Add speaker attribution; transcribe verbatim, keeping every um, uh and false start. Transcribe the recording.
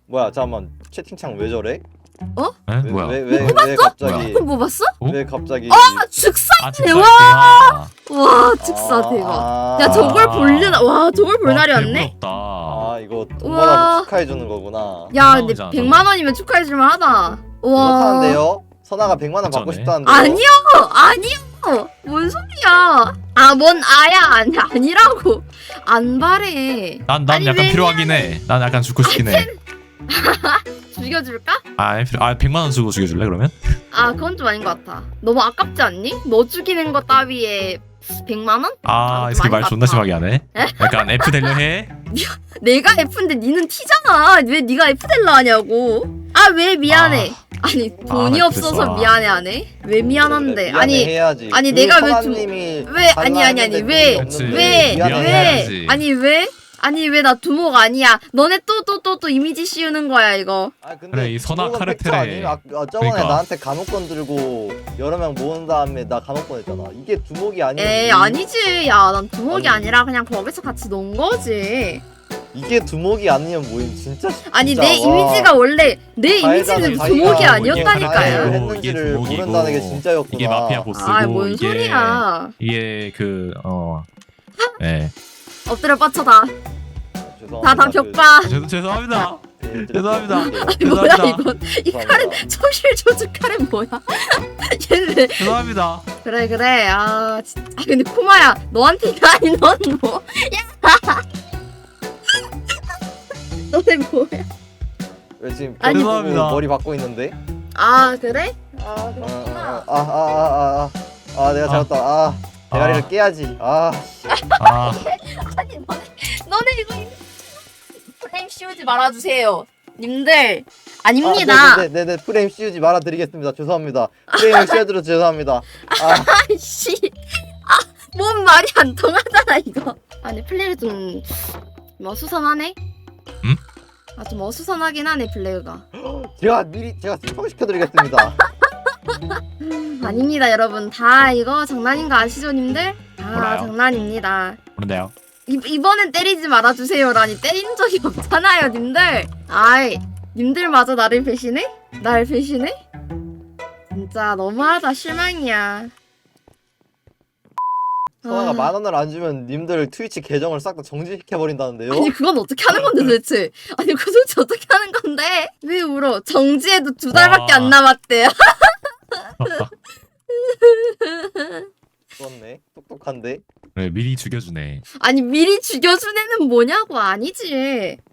Speaker 1: 뭐야 잠깐만 채팅창 왜 저래?
Speaker 2: 에?
Speaker 1: 왜,
Speaker 2: 뭐야?
Speaker 1: 왜, 왜, 왜 갑자기
Speaker 3: 그럼 뭐 봤어?
Speaker 2: 어?
Speaker 1: 왜 갑자기
Speaker 3: 아 즉사
Speaker 2: 아
Speaker 3: 대박!
Speaker 2: 대박.
Speaker 3: 와 즉사 대박.
Speaker 1: 아,
Speaker 3: 야 저걸 볼일 와 저걸 볼
Speaker 2: 와,
Speaker 3: 날이 왔네.
Speaker 2: 배부럽다.
Speaker 1: 아 이거 돈
Speaker 3: 우와.
Speaker 1: 받아서 축하해주는 거구나.
Speaker 3: 야 근데
Speaker 2: 백만 원이잖아,
Speaker 3: 백만 원이면 축하해줄만 하다. 와.
Speaker 1: 그렇다는데요? 선아가 백만 원 받고
Speaker 2: 괜찮네.
Speaker 1: 싶다는데요?
Speaker 3: 아니요 아니요 뭔 소리야? 아 뭔 아야 아니 아니라고 안 바래.
Speaker 2: 난, 난
Speaker 3: 아니,
Speaker 2: 약간
Speaker 3: 왜냐?
Speaker 2: 필요하긴 해. 난 약간 죽고 싶긴 해.
Speaker 3: 죽여줄까?
Speaker 2: 아, 필요, 아 백만 원 주고 죽여줄래 그러면?
Speaker 3: 아 그건 좀 아닌 것 같아. 너무 아깝지 않니? 너 죽이는 거 따위에 백만 원?
Speaker 2: 아,
Speaker 3: 아,
Speaker 2: 이 새끼 말
Speaker 3: 많이
Speaker 2: 존나
Speaker 3: 같다.
Speaker 2: 심하게 하네. 약간 F 되려 해?
Speaker 3: 내가 F인데 니는 T잖아. 왜 네가 F 될라 하냐고. 아 왜 미안해. 아, 니 돈이
Speaker 2: 아,
Speaker 3: 없어서
Speaker 2: 그랬어.
Speaker 3: 미안해 하네. 왜 미안한데?
Speaker 1: 그래,
Speaker 3: 아니
Speaker 1: 해야지.
Speaker 3: 아니,
Speaker 1: 그
Speaker 3: 내가 왜 좀-
Speaker 1: 선아님이
Speaker 3: 왜 아니 아니 아니
Speaker 1: 달라는데
Speaker 3: 왜
Speaker 1: 돈이 없는데
Speaker 3: 왜
Speaker 2: 미안해
Speaker 3: 왜
Speaker 2: 해야지.
Speaker 3: 아니 왜 아니 왜 나 두목 아니야. 너네 또 또 또 또 이미지 씌우는 거야 이거.
Speaker 1: 아, 근데
Speaker 2: 그래, 이 선악
Speaker 1: 그거는 팩트
Speaker 2: 카르텔에-
Speaker 1: 아님? 아, 아, 저번에
Speaker 2: 그러니까.
Speaker 1: 나한테 감옥권 들고 여러 명 모은 다음에 나 감옥권 했잖아. 이게 두목이 아니면
Speaker 3: 에이
Speaker 1: 이-
Speaker 3: 아니지. 야 난 두목이
Speaker 1: 아니.
Speaker 3: 아니라 그냥 거기서 같이 논 거지.
Speaker 1: 이게 두목이 아니면 뭐임 진짜.
Speaker 3: 아니
Speaker 1: 진짜,
Speaker 3: 내
Speaker 1: 와.
Speaker 3: 이미지가 원래 내
Speaker 1: 가해자는
Speaker 3: 이미지는
Speaker 1: 자기가
Speaker 3: 두목이
Speaker 1: 이게
Speaker 3: 아니었다니까요.
Speaker 1: 가해를
Speaker 2: 이게
Speaker 1: 했는지를
Speaker 2: 두목이고,
Speaker 1: 모른다는 게 진짜였구나.
Speaker 2: 이게 마피아 보스고
Speaker 3: 아 뭔
Speaker 2: 이게
Speaker 3: 소리야.
Speaker 2: 이게 그 어. 네.
Speaker 3: 엎드려 뻗쳐다.
Speaker 1: 죄송합니다.
Speaker 3: 다다 벽봐.
Speaker 2: 죄, 죄송합니다.
Speaker 1: 그-
Speaker 2: 죄송합니다.
Speaker 3: 뭐야
Speaker 2: 죄송합니다.
Speaker 3: 이건 이 칼은
Speaker 1: 죄송합니다.
Speaker 3: 초실 조직 칼은 뭐야? 얘는 왜
Speaker 2: 죄송합니다.
Speaker 3: 그래 그래 아 진짜 아, 근데 코마야 너한테가 아닌 넌 뭐? 야 너네 뭐야?
Speaker 1: 왜 지금
Speaker 3: 아니,
Speaker 1: 아니, 보고
Speaker 2: 죄송합니다.
Speaker 1: 머리 받고 있는데?
Speaker 3: 아 그래? 아
Speaker 1: 어,
Speaker 3: 그렇구나.
Speaker 1: 어, 아, 아, 아, 아, 아, 아, 내가 잘했다. 아, 대가리를
Speaker 2: 아.
Speaker 1: 깨야지. 아,
Speaker 2: 아,
Speaker 3: 아니 너네 너네 이거 프레임 씌우지 말아주세요. 님들 아닙니다.
Speaker 1: 아, 네, 네, 네, 네, 프레임 씌우지 말아드리겠습니다. 죄송합니다. 프레임을 씌워드려 죄송합니다. 아,
Speaker 3: 아이씨 아뭔 말이 안 통하잖아 이거. 아니 플레이를 좀뭐 어수선하네.
Speaker 2: 응?
Speaker 3: 아 좀 어수선하긴 하네 플레이가.
Speaker 1: 제가 미리 제가 스포시켜드리겠습니다.
Speaker 3: 아닙니다 여러분 다 이거 장난인 거 아시죠 님들? 아
Speaker 2: 몰라요.
Speaker 3: 장난입니다.
Speaker 2: 그런데요.
Speaker 3: 이, 이번엔 때리지 말아주세요라니 때린 적이 없잖아요 님들. 아이 님들마저 나를 배신해? 날 배신해? 진짜 너무하다 실망이야.
Speaker 1: 선아가
Speaker 3: 아.
Speaker 1: 만 원을 안 주면 님들 트위치 계정을 싹 다 정지시켜 버린다는데요?
Speaker 3: 아니 그건 어떻게 하는 건데 도대체. 아니 그 도대체 어떻게 하는 건데. 왜 울어. 정지해도 두 달밖에
Speaker 2: 와.
Speaker 3: 안 남았대.
Speaker 1: 그렇네. 똑똑한데.
Speaker 2: 그래, 미리 죽여주네.
Speaker 3: 아니 미리 죽여준 애는 뭐냐고. 아니지.